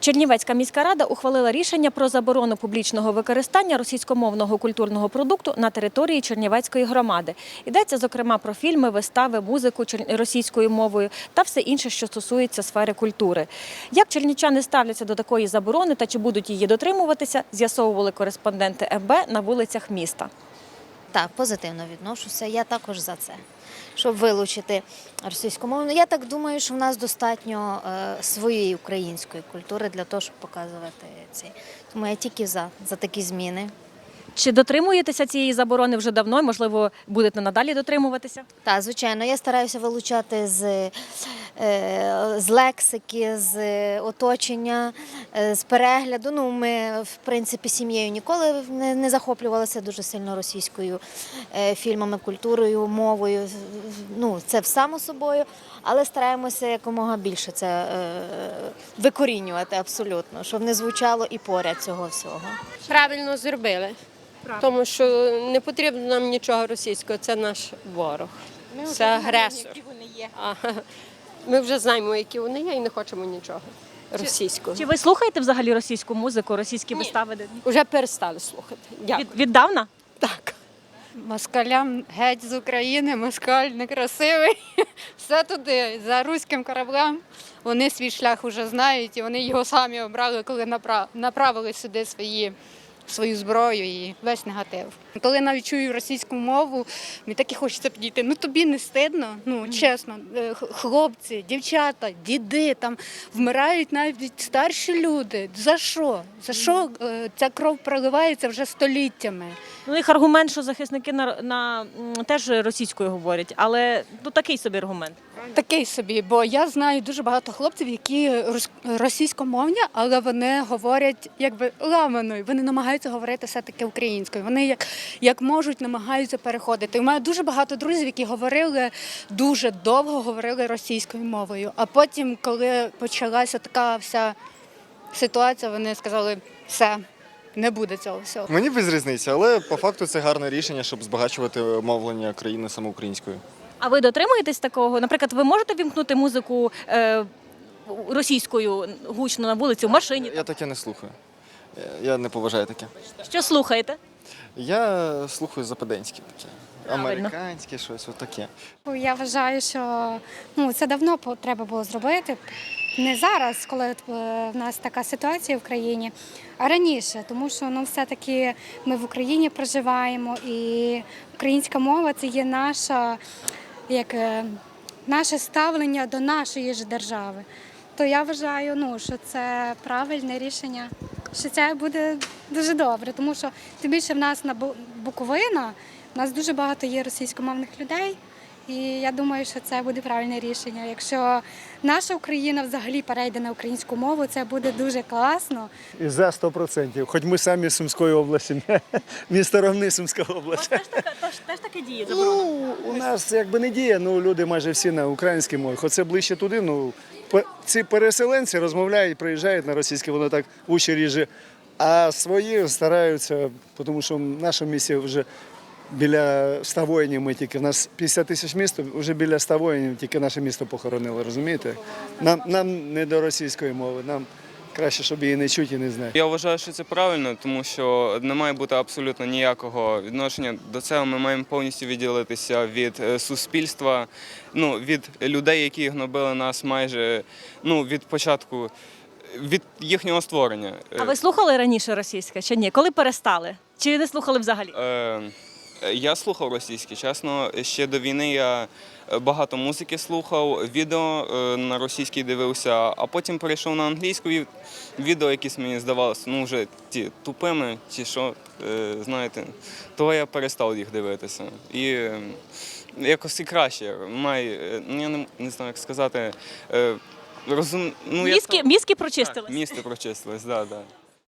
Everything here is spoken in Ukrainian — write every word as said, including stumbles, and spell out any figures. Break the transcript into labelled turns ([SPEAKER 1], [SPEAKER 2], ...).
[SPEAKER 1] Чернівецька міська рада ухвалила рішення про заборону публічного використання російськомовного культурного продукту на території Чернівецької громади. Йдеться, зокрема, про фільми, вистави, музику російською мовою та все інше, що стосується сфери культури. Як чернівчани ставляться до такої заборони та чи будуть її дотримуватися, з'ясовували кореспонденти еф бе на вулицях міста.
[SPEAKER 2] Так, позитивно відношуся. Я також за це, щоб вилучити російськомовну. Я так думаю, що в нас достатньо е, своєї української культури для того, щоб показувати цей. Тому я тільки за, за такі зміни.
[SPEAKER 1] Чи дотримуєтеся цієї заборони вже давно, можливо, будете надалі дотримуватися?
[SPEAKER 2] Так, звичайно, я стараюся вилучати з, е, з лексики, з оточення, е, з перегляду. Ну, ми, в принципі, сім'єю ніколи не, не захоплювалися дуже сильно російською е, фільмами, культурою, мовою. Ну, це само собою, але стараємося якомога більше це е, викорінювати абсолютно, щоб не звучало і поряд цього всього.
[SPEAKER 3] Правильно зробили. Тому що не потрібно нам нічого російського, це наш ворог, це агресор. А, ми вже знаємо, які вони є, і не хочемо нічого російського.
[SPEAKER 1] Чи ви слухаєте взагалі російську музику, російські
[SPEAKER 3] Ні.
[SPEAKER 1] вистави?
[SPEAKER 3] Вже перестали слухати. Дякую.
[SPEAKER 1] Від, віддавна?
[SPEAKER 3] Так.
[SPEAKER 4] Москалям геть з України, москаль некрасивий, все туди, за руським кораблем. Вони свій шлях вже знають і вони його самі обрали, коли направили сюди свої, свою зброю і весь негатив. Коли навіть чую російську мову, мені так і хочеться підійти. Ну тобі не стидно, ну чесно, хлопці, дівчата, діди, там вмирають навіть старші люди. За що? За що ця кров проливається вже століттями?
[SPEAKER 1] Ну, їх аргумент, що захисники на, на теж російською говорять, але ну, такий собі аргумент.
[SPEAKER 4] Такий собі, бо я знаю дуже багато хлопців, які російськомовні, але вони говорять якби ламаною, вони намагаються говорити все-таки українською. Вони як, як можуть намагаються переходити. У мене дуже багато друзів, які говорили, дуже довго говорили російською мовою. А потім, коли почалася така вся ситуація, вони сказали, все, не буде цього всього.
[SPEAKER 5] Мені без різниці, але по факту це гарне рішення, щоб збагачувати мовлення країни саме українською.
[SPEAKER 1] А ви дотримуєтесь такого? Наприклад, ви можете вімкнути музику е, російською гучно на вулиці, в машині?
[SPEAKER 5] Я таке не слухаю. Я не поважаю таке.
[SPEAKER 1] Що слухаєте?
[SPEAKER 5] Я слухаю западенське таке.
[SPEAKER 1] Правильно.
[SPEAKER 5] Американське щось, отаке.
[SPEAKER 6] Я вважаю, що ну, це давно треба було зробити. Не зараз, коли в нас така ситуація в країні, а раніше, тому що ну, все-таки ми в Україні проживаємо, і українська мова – це є наша, як, наше ставлення до нашої ж держави. То я вважаю, ну, що це правильне рішення, що це буде дуже добре, тому що тим більше в нас на Буковина, у нас дуже багато є російськомовних людей, і я думаю, що це буде правильне рішення. Якщо наша Україна взагалі перейде на українську мову, це буде дуже класно.
[SPEAKER 7] І за сто відсотків. Хоч ми самі з Сумської області, місто Ровни, Сумська область.
[SPEAKER 1] Теж, така, теж, теж таке діє заборона?
[SPEAKER 7] Ну, у нас якби не діє, ну люди майже всі на українській мові. Хоч це ближче туди, ну ці переселенці розмовляють, приїжджають на російське, воно так уші ріже. А свої стараються, тому що в нашому місті вже біля ста воїнів ми тільки, у нас п'ятдесят тисяч міст, вже біля ста воїнів тільки наше місто похоронило, розумієте? Нам, нам не до російської мови, нам краще, щоб її не чути і не знати.
[SPEAKER 8] Я вважаю, що це правильно, тому що не має бути абсолютно ніякого відношення до цього. Ми маємо повністю відділитися від суспільства, ну, від людей, які гнобили нас майже ну, від початку, від їхнього створення.
[SPEAKER 1] А ви слухали раніше російське чи ні? Коли перестали? Чи не слухали взагалі?
[SPEAKER 8] Е, Я слухав російське, чесно. Ще до війни я багато музики слухав, відео на російській дивився, а потім перейшов на англійську, і відео якісь мені здавалося, ну вже ті тупими, ті що, знаєте, того я перестав їх дивитися. І якось і краще. Має, ну я не, не знаю, як сказати, розум... Ну,
[SPEAKER 1] мізки,
[SPEAKER 8] я...
[SPEAKER 1] мізки прочистились?
[SPEAKER 8] Так, мізки прочистились, так, да, так. Да.